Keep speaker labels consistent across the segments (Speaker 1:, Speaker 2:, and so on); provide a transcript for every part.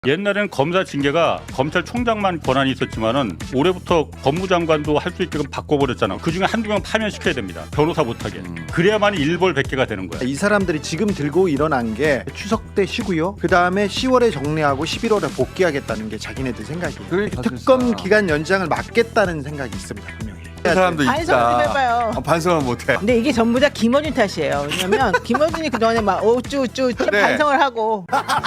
Speaker 1: 옛날에는 검사 징계가 검찰총장만 권한이 있었지만은 올해부터 법무장관도 할 수 있게끔 바꿔버렸잖아. 그중에 한두 명 파면시켜야 됩니다. 변호사 못하게. 그래야만이 일벌백계가 되는 거야.
Speaker 2: 이 사람들이 지금 들고 일어난 게 추석 때 쉬고요. 그 다음에 10월에 정리하고 11월에 복귀하겠다는 게 자기네들 생각이에요.
Speaker 3: 그러니까
Speaker 2: 특검 기간 연장을 막겠다는 생각이 있습니다. 분명히.
Speaker 3: 그 사람도
Speaker 4: 반성을
Speaker 3: 있다.
Speaker 4: 좀 해봐요.
Speaker 3: 반성은 못해.
Speaker 4: 근데 이게 전부 다 김어준 탓이에요. 왜냐면 김어준이 그동안에 막 어쭈쭈
Speaker 3: 네.
Speaker 4: 반성을 하고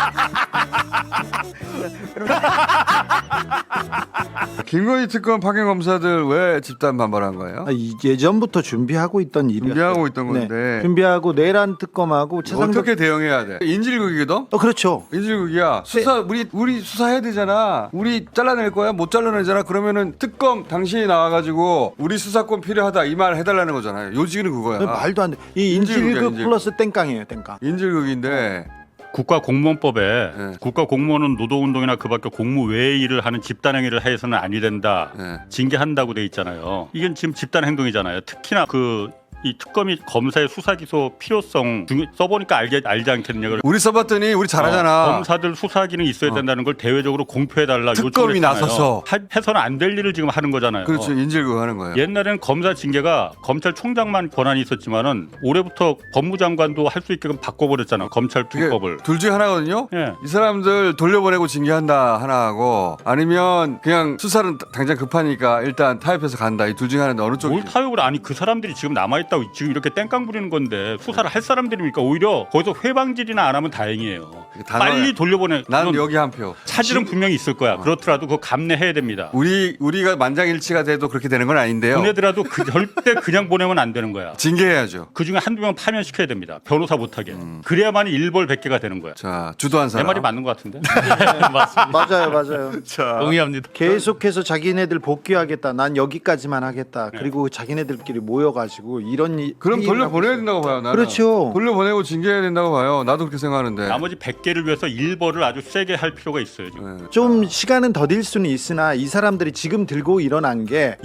Speaker 3: 김건희 특검 파견 검사들 왜 집단 반발한 거예요?
Speaker 2: 예전부터 준비하고 있던 일이었어요.
Speaker 3: 준비하고 있던 건데.
Speaker 2: 네. 준비하고 내란 특검하고 최상덕.
Speaker 3: 어떻게 대응해야 돼? 인질극이거든?
Speaker 2: 그렇죠.
Speaker 3: 인질극이야. 수사 우리 수사해야 되잖아. 우리 잘라낼 거야? 못 잘라내잖아. 그러면은 특검 당신이 나와가지고 우리 수사권 필요하다 이 말 해달라는 거잖아요. 요지는 그거야.
Speaker 2: 말도 안 돼. 이
Speaker 3: 인질극이야,
Speaker 2: 인질극
Speaker 3: 인질극.
Speaker 2: 플러스 땡깡이에요. 땡깡.
Speaker 3: 인질극인데
Speaker 1: 국가공무원법에
Speaker 3: 네.
Speaker 1: 국가공무원은 노동운동이나 그 밖에 공무 외의 일을 하는 집단행위를 해서는 아니 된다.
Speaker 3: 네.
Speaker 1: 징계한다고 돼 있잖아요. 이게 지금 집단행동이잖아요. 특히나 이 특검이 검사의 수사기소 필요성 써보니까 알지 않겠느냐.
Speaker 3: 우리 써봤더니 우리 잘하잖아.
Speaker 1: 검사들 수사 기능이 있어야 된다는 걸 대외적으로 공표해달라
Speaker 3: 특검이
Speaker 1: 요청했잖아요.
Speaker 3: 나서서.
Speaker 1: 해서는 안 될 일을 지금 하는 거잖아요.
Speaker 3: 그렇죠. 인질극 하는 거예요.
Speaker 1: 옛날에는 검사 징계가 검찰총장만 권한이 있었지만은 올해부터 법무장관도 할 수 있게끔 바꿔버렸잖아. 검찰
Speaker 3: 그게
Speaker 1: 투법을.
Speaker 3: 둘 중에 하나거든요.
Speaker 1: 예.
Speaker 3: 이 사람들 돌려보내고 징계한다 하나 하고 아니면 그냥 수사는 당장 급하니까 일단 타협해서 간다. 이 둘 중에 하나는 어느 쪽이?
Speaker 1: 뭘 타협을 아니 그 사람들이 지금 남아있다고 지금 이렇게 땡깡 부리는 건데 수사를 할 사람들이니까 오히려 거기서 회방질이나 안 하면 다행이에요. 빨리 돌려보내.
Speaker 3: 난
Speaker 1: 물론
Speaker 3: 여기 한 표.
Speaker 1: 차질은 분명히 있을 거야. 그렇더라도 그거 감내해야 됩니다.
Speaker 3: 우리가 만장일치가 돼도 그렇게 되는 건 아닌데요.
Speaker 1: 보내더라도 절대 그냥 보내면 안 되는 거야.
Speaker 3: 징계해야죠.
Speaker 1: 그중에 한두 명 파면시켜야 됩니다. 변호사 못하게. 그래야만이 일벌백계가 되는 거야.
Speaker 3: 자, 주도한
Speaker 1: 내
Speaker 3: 사람.
Speaker 1: 말이 맞는 것 같은데?
Speaker 2: 맞아요.
Speaker 3: 자,
Speaker 5: 동의합니다.
Speaker 2: 계속해서 자기네들 복귀하겠다. 난 여기까지만 하겠다. 그리고 자기네들끼리 모여가지고 이런
Speaker 3: 그럼 돌려보내야 된다고 봐요. 나는.
Speaker 2: 그렇죠.
Speaker 3: 돌려보내고 징계해야 된다고 봐요. 나도 그렇게 생각하는데.
Speaker 1: 나머지 100개를 위해서 일벌을 아주 세게 할 필요가 있어요. 지금.
Speaker 3: 네.
Speaker 2: 좀 시간은 더딜 수는 있으나 이 사람들이 지금 들고 일어난 게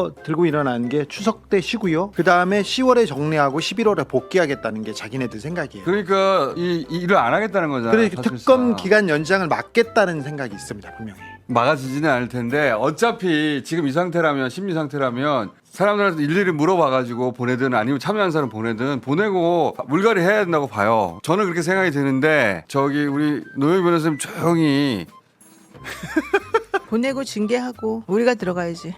Speaker 2: 추석 때 쉬고요. 그 다음에 10월에 정리하고 11월에 복귀하겠다는 게 자기네들 생각이에요.
Speaker 3: 그러니까 이 일을 안 하겠다는 거잖아요.
Speaker 2: 그래서
Speaker 3: 사실상.
Speaker 2: 특검 기간 연장을 막겠다는 생각이 있습니다. 분명히.
Speaker 3: 막아지지는 않을 텐데 어차피 지금 이 상태라면 심리 상태라면 사람들한테 일일이 물어봐가지고 보내든 아니면 참여한 사람 보내고 물갈이 해야 된다고 봐요. 저는 그렇게 생각이 드는데 저기 우리 노영희 변호사님 조용히
Speaker 4: 보내고 징계하고 우리가 들어가야지.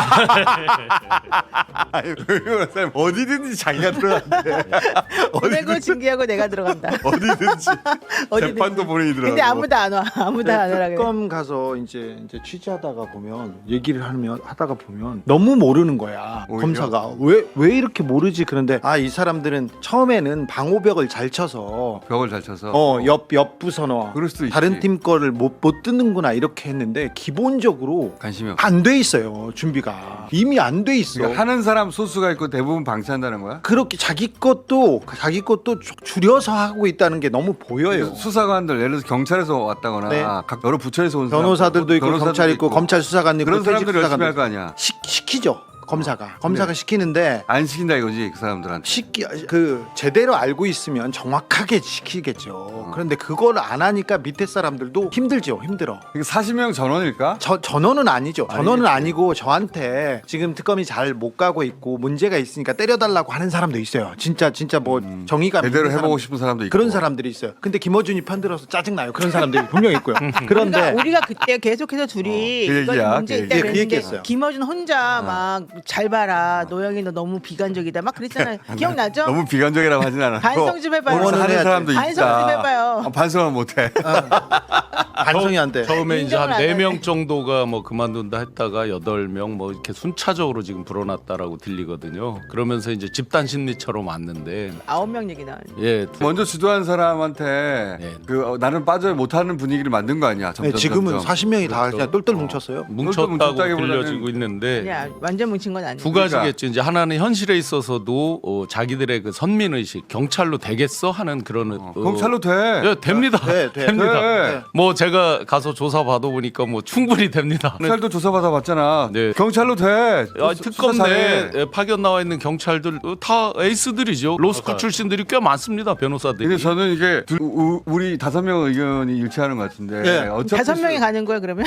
Speaker 3: 아니 노영희 변호사님 어디든지 자기가 들어간대.
Speaker 4: 보내고 징계하고 내가 들어간다.
Speaker 3: 어디든지
Speaker 4: 어디든지.
Speaker 3: 재판도 보내더라고.
Speaker 4: 근데 아무도 안 와. 아무도 안 하라 그래.
Speaker 2: 특검 가서 이제 취재하다가 보면 얘기를 하다가 보면 너무 모르는 거야.
Speaker 3: 오히려?
Speaker 2: 검사가 왜 이렇게 모르지? 그런데 이 사람들은 처음에는 방호벽을 잘 쳐서
Speaker 3: 벽을 잘 쳐서
Speaker 2: 옆 부서너
Speaker 3: 그럴 수도 있지.
Speaker 2: 다른 팀 거를 못 듣는구나 이렇게 했는데 기본적으로
Speaker 3: 관심이 없어.
Speaker 2: 안 돼 있어요. 준비가 이미 안 돼 있어.
Speaker 3: 그러니까 하는 사람 소수가 있고 대부분 방치한다는 거야?
Speaker 2: 그렇게 자기 것도 줄여서 하고 있다는 게 너무 보여요.
Speaker 3: 수사관들 예를 들어서 경찰에서 왔다거나
Speaker 2: 네.
Speaker 3: 각 여러 부처에서 온
Speaker 2: 변호사들도 있고
Speaker 3: 변호사들도
Speaker 2: 검찰 있고 검찰 수사관 있고
Speaker 3: 그런
Speaker 2: 퇴직
Speaker 3: 사람들이 열심히
Speaker 2: 수사관도
Speaker 3: 할 거 아니야.
Speaker 2: 시키죠. 검사가 시키는데
Speaker 3: 안 시킨다 이거지 그 사람들한테.
Speaker 2: 제대로 알고 있으면 정확하게 시키겠죠. 그런데 그걸 안 하니까 밑에 사람들도 힘들죠. 힘들어.
Speaker 3: 이게 40명 전원일까?
Speaker 2: 전원은 아니죠. 전원은 아니고 저한테 지금 특검이 잘 못 가고 있고 문제가 있으니까 때려달라고 하는 사람도 있어요. 진짜 뭐 정의가
Speaker 3: 제대로
Speaker 2: 있는
Speaker 3: 해보고
Speaker 2: 사람들.
Speaker 3: 싶은 사람도 있고.
Speaker 2: 그런 사람들이 있어요. 근데 김어준이 편들어서 짜증나요. 그런 사람들이 분명히 있고요. 그런데
Speaker 4: 우리가 그때 계속해서 둘이
Speaker 3: 그
Speaker 4: 이거
Speaker 3: 얘기야,
Speaker 4: 문제
Speaker 3: 그
Speaker 4: 있다
Speaker 2: 얘기. 그
Speaker 4: 그랬는데
Speaker 2: 얘기했어요.
Speaker 4: 김어준 혼자 막 잘 봐라. 노영이 너 너무 비관적이다. 막 그랬잖아요. 기억나죠?
Speaker 3: 너무 비관적이라고 하진 않았고
Speaker 4: 반성 좀 해봐요.
Speaker 3: 응원을 하는
Speaker 2: 해야지.
Speaker 3: 사람도 있다.
Speaker 4: 반성 좀 해봐요.
Speaker 3: 반성은 못해.
Speaker 2: 반성이 안 돼.
Speaker 5: 처음에 이제 한
Speaker 4: 인정을 안
Speaker 5: 4명 정도가 뭐 그만둔다 했다가 8명 뭐 이렇게 순차적으로 지금 불어났다라고 들리거든요. 그러면서 이제 집단 심리처럼 왔는데
Speaker 4: 9명 얘기 나왔는데.
Speaker 5: 예.
Speaker 3: 먼저 주도한 사람한테
Speaker 5: 네.
Speaker 3: 나는 빠져 못하는 분위기를 만든 거 아니야. 점점,
Speaker 2: 지금은
Speaker 3: 점점.
Speaker 2: 40명이 다 그냥 똘똘 뭉쳤어요.
Speaker 5: 뭉쳤다고
Speaker 3: 뭉쳤다기보다는
Speaker 5: 들려지고 있는데
Speaker 4: 완전 뭉친 것인 건 아니에요.
Speaker 5: 두 가지겠죠. 이제 하나는 현실에 있어서도 자기들의 그 선민 의식, 경찰로 되겠어 하는 그런
Speaker 3: 경찰로 돼.
Speaker 5: 예, 됩니다.
Speaker 2: 돼.
Speaker 5: 됩니다.
Speaker 3: 네.
Speaker 5: 뭐 제가 가서 조사 받아 보니까 뭐 충분히 됩니다.
Speaker 3: 경찰도 조사받아 봤잖아.
Speaker 5: 네.
Speaker 3: 경찰로 돼.
Speaker 5: 특검
Speaker 3: 수사 잘해.
Speaker 5: 내에 파견 나와 있는 경찰들 다 에이스들이죠. 로스쿨 출신들이 꽤 많습니다. 변호사들이.
Speaker 3: 근데 저는 이게 우리 5명 의견이 일치하는 것 같은데
Speaker 2: 네.
Speaker 3: 어차피
Speaker 4: 5명이 가는 거야 그러면?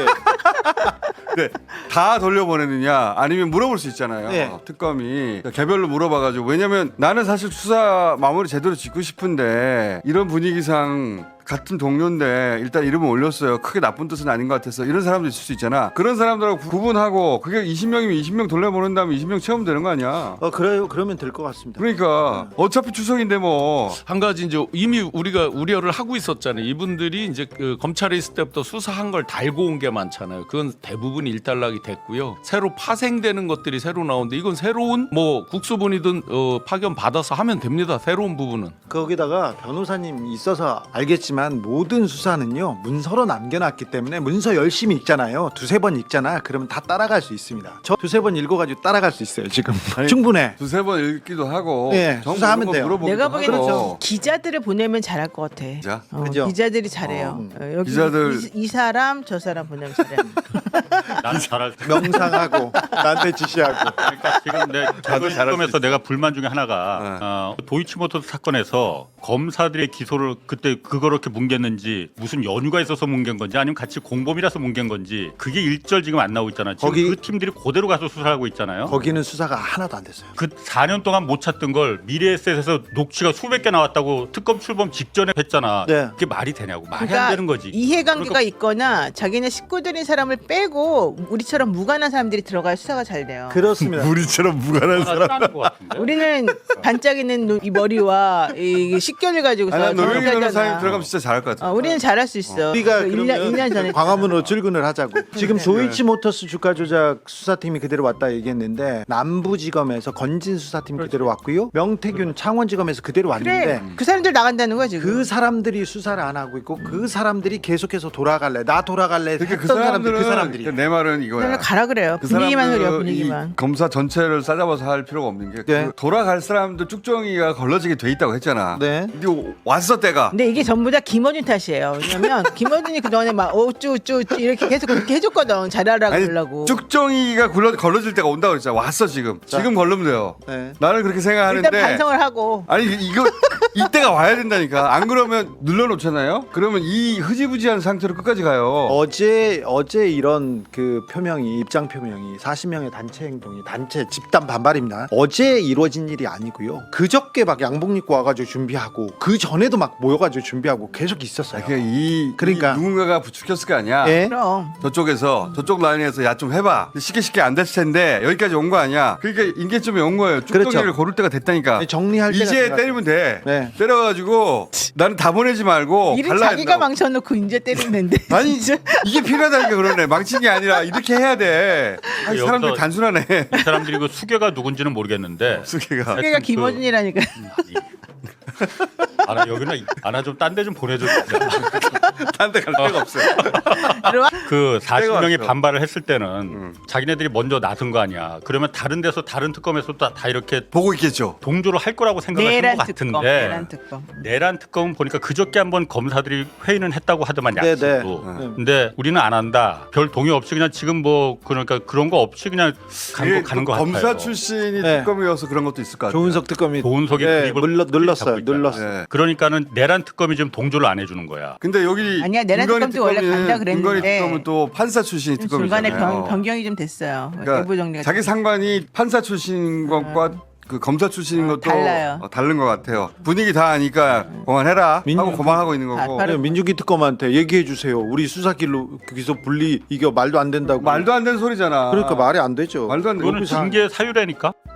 Speaker 3: 네. 다 돌려보내느냐 아니면 물어볼 수 있잖아요.
Speaker 2: 네.
Speaker 3: 특검이 개별로 물어봐가지고 왜냐면 나는 사실 수사 마무리 제대로 짓고 싶은데 이런 분위기상 같은 동료인데 일단 이름을 올렸어요. 크게 나쁜 뜻은 아닌 것 같아서 이런 사람도 있을 수 있잖아. 그런 사람들하고 구분하고 그게 20명이면 20명 돌려보낸 다음에 20명 채우면 되는 거 아니야.
Speaker 2: 그래요. 그러면 될 것 같습니다.
Speaker 3: 그러니까 어차피 추석인데 뭐
Speaker 5: 한 가지 이제 이미 우리가 우려를 하고 있었잖아요. 이분들이 이제 그 검찰에 있을 때부터 수사한 걸 달고 온 게 많잖아요. 그건 대부분 일단락이 됐고요. 새로 파생되는 것들이 새로 나오는데 이건 새로운 뭐 국수본이든 파견 받아서 하면 됩니다. 새로운 부분은.
Speaker 2: 거기다가 변호사님 있어서 알겠지만 모든 수사는요 문서로 남겨놨기 때문에 문서 열심히 읽잖아요. 두세 번 읽잖아. 그러면 다 따라갈 수 있습니다. 저 두세 번 읽어가지고 따라갈 수 있어요. 지금 충분해.
Speaker 3: 두세 번 읽기도 하고
Speaker 2: 네,
Speaker 3: 정보
Speaker 2: 수사하면
Speaker 3: 이런 거
Speaker 2: 돼요.
Speaker 3: 물어보기도
Speaker 4: 내가 보기에는
Speaker 3: 하고.
Speaker 4: 기자들을 보내면 잘할 것 같아.
Speaker 3: 기자?
Speaker 2: 그죠?
Speaker 4: 기자들이 잘해요. 여기
Speaker 3: 기자들-
Speaker 4: 이 사람 저 사람 보내면 잘해.
Speaker 1: 난 잘할 수
Speaker 2: 명상하고 나한테 지시하고.
Speaker 1: 그러니까 지금 내
Speaker 3: 잘할 수
Speaker 1: 특검에서 내가 불만 중에 하나가 도이치모터스 사건에서 검사들의 기소를 그때 그걸 이렇게 뭉갰는지 무슨 연유가 있어서 뭉갠 건지 아니면 같이 공범이라서 뭉갠 건지 그게 일절 지금 안 나오고 있잖아요. 지금
Speaker 2: 거기-
Speaker 1: 그 팀들이 그대로 가서 수사하고 있잖아요.
Speaker 2: 거기는 수사가 하나도 안 됐어요.
Speaker 1: 그 4년 동안 못 찾던 걸 미래에셋에서 녹취가 수백 개 나왔다고 특검 출범 직전에 했잖아.
Speaker 2: 네.
Speaker 1: 그게 말이 되냐고. 말이
Speaker 4: 그러니까
Speaker 1: 안 되는 거지.
Speaker 4: 이해관계가
Speaker 1: 그러니까
Speaker 4: 있거나 자기네 식구들인 사람을 빼고 우리처럼 무관한 사람들이 들어가야 수사가 잘 돼요.
Speaker 2: 그렇습니다.
Speaker 3: 우리처럼 무관한
Speaker 1: 싸는 것 같은데.
Speaker 4: 우리는 반짝이는 이 머리와 이 식견을 가지고서
Speaker 3: 난 노영희
Speaker 4: 정확하잖아.
Speaker 3: 변호사님 들어가면 진짜 잘할 것 같아.
Speaker 4: 우리는 잘할 수 있어.
Speaker 2: 우리가
Speaker 4: 그 1년 전에
Speaker 2: 광화문으로 출근을 하자고. 지금
Speaker 4: 네.
Speaker 2: 도이치모터스 주가 조작 수사팀이 그대로 왔다 얘기했는데 남부지검에서 건진 수사팀 그대로 왔고요. 명태균 창원지검에서 그대로 왔는데
Speaker 4: 그래 그 사람들 나간다는 거야 지금.
Speaker 2: 그 사람들이 수사를 안 하고 있고 그 사람들이 계속해서 돌아갈래 나 돌아갈래
Speaker 3: 그러니까
Speaker 2: 했던 사람들 그 사람들이
Speaker 3: 그러니까 내 말은 이거야.
Speaker 4: 그냥 가라 그래요.
Speaker 3: 그
Speaker 4: 분위기만
Speaker 3: 사람들은
Speaker 4: 소리야 분위기만.
Speaker 3: 이 검사 전체를 싸잡아서 할 필요가 없는 게
Speaker 2: 네.
Speaker 3: 그 돌아갈 사람들 쭉정이가 걸러지게 돼 있다고 했잖아.
Speaker 2: 네.
Speaker 3: 근데 왔어 때가.
Speaker 4: 근데 이게 전부 다 김어준 탓이에요. 왜냐면 김어준이 그동안에 막 어쭈쭈 이렇게 계속 그렇게 해줬거든. 잘하라고
Speaker 3: 아니
Speaker 4: 그러려고.
Speaker 3: 쭉정이가 걸러질 때가 온다고 그랬잖아. 왔어 지금. 지금 걸르면 돼요.
Speaker 2: 네.
Speaker 3: 나는 그렇게 생각하는데.
Speaker 4: 일단 반성을 하고.
Speaker 3: 아니 이거 이때가 와야 된다니까. 안 그러면 눌러놓잖아요. 그러면 이 흐지부지한 상태로 끝까지 가요.
Speaker 2: 어제 이런 그 표명이 입장 표명이 40명의 단체 행동이 단체 집단 반발입니다. 어제 이루어진 일이 아니고요. 그저께 막 양복 입고 와가지고 준비하고 그 전에도 막 모여가지고 준비하고 계속 있었어요.
Speaker 3: 그러니까
Speaker 2: 그러니까.
Speaker 3: 누군가가 부추겼을 거 아니야.
Speaker 2: 예?
Speaker 4: 그럼.
Speaker 3: 저쪽에서 저쪽 라인에서 야 좀 해봐. 쉽게 안 됐을 텐데 여기까지 온 거 아니야. 그러니까 인계점에 온 거예요. 쭉정이를
Speaker 2: 그렇죠.
Speaker 3: 고를 때가 됐다니까.
Speaker 2: 정리할 때가
Speaker 3: 이제
Speaker 2: 돼가지고.
Speaker 3: 때리면 돼.
Speaker 2: 네.
Speaker 3: 때려가지고 나는 다 보내지 말고
Speaker 4: 일을
Speaker 3: 갈라야
Speaker 4: 자기가
Speaker 3: 된다고.
Speaker 4: 망쳐놓고 이제 때리는데.
Speaker 3: 아니 이게 필요하다니까 그러네. 망친 게 아니라 이렇게 해야 돼. 아니,
Speaker 1: 여기서-
Speaker 3: 사람들 단순하네.
Speaker 1: 이 사람들이 그 수괴가 누군지는 모르겠는데.
Speaker 3: 수기가.
Speaker 4: 그게가 김어준이라니까.
Speaker 1: 아나 여기는 아나 좀 딴 데 좀 보내줘.
Speaker 3: 딴데 갈 데가 없어요.
Speaker 4: 들어와.
Speaker 1: 그 40명이
Speaker 3: 왔어.
Speaker 1: 반발을 했을 때는 자기네들이 먼저 나선 거 아니야. 그러면 다른 데서 다른 특검에서 다 이렇게
Speaker 3: 보고 있겠죠.
Speaker 1: 동조를 할 거라고 생각을
Speaker 4: 내란
Speaker 1: 한것
Speaker 4: 특검.
Speaker 1: 같은데
Speaker 4: 내란 특검.
Speaker 1: 내란 특검은 보니까 그저께 한번 검사들이 회의는 했다고 하더만
Speaker 2: 네,
Speaker 1: 약속으로.
Speaker 2: 네.
Speaker 1: 근데 우리는 안 한다. 별 동의 없이 그냥 지금 뭐 그러니까 그런 거 없이 그냥
Speaker 3: 이게
Speaker 1: 가는
Speaker 3: 또
Speaker 1: 거 같아요.
Speaker 3: 검사 출신이
Speaker 2: 네.
Speaker 3: 특검이어서 그런 것도 있을 것 같아요.
Speaker 2: 조은석 특검이
Speaker 1: 조은석이
Speaker 2: 네,
Speaker 1: 입을
Speaker 2: 눌렀어요.
Speaker 1: 잡고 있잖아.
Speaker 2: 눌렀어요.
Speaker 3: 네.
Speaker 1: 그러니까는 내란 특검이 지금 동조를 안 해주는 거야.
Speaker 3: 근데 여기
Speaker 4: 아니야, 내란
Speaker 3: 김건희
Speaker 4: 특검도 원래 간다
Speaker 3: 특검은-
Speaker 4: 그랬는데
Speaker 3: 김건희 특검은 또 판사 출신이
Speaker 4: 중간에
Speaker 3: 특검이잖아요.
Speaker 4: 변경이 좀 됐어요. 내부
Speaker 3: 그러니까
Speaker 4: 정리가.
Speaker 3: 자기 상관이 판사 출신인 것과 그 검사 출신인 것도
Speaker 4: 달라요.
Speaker 3: 다른 것 같아요. 분위기 다 아니까 그만해라
Speaker 2: 민주-
Speaker 3: 하고 그만하고 있는 거고.
Speaker 4: 바로-
Speaker 2: 민주기 특검한테 얘기해 주세요. 우리 수사길로 기소 분리 이거 말도 안 된다고.
Speaker 3: 말도 안 되는 소리잖아.
Speaker 2: 그러니까 말이 안 되죠.
Speaker 3: 말도 안 되는
Speaker 1: 그거는 징계 사유라니까.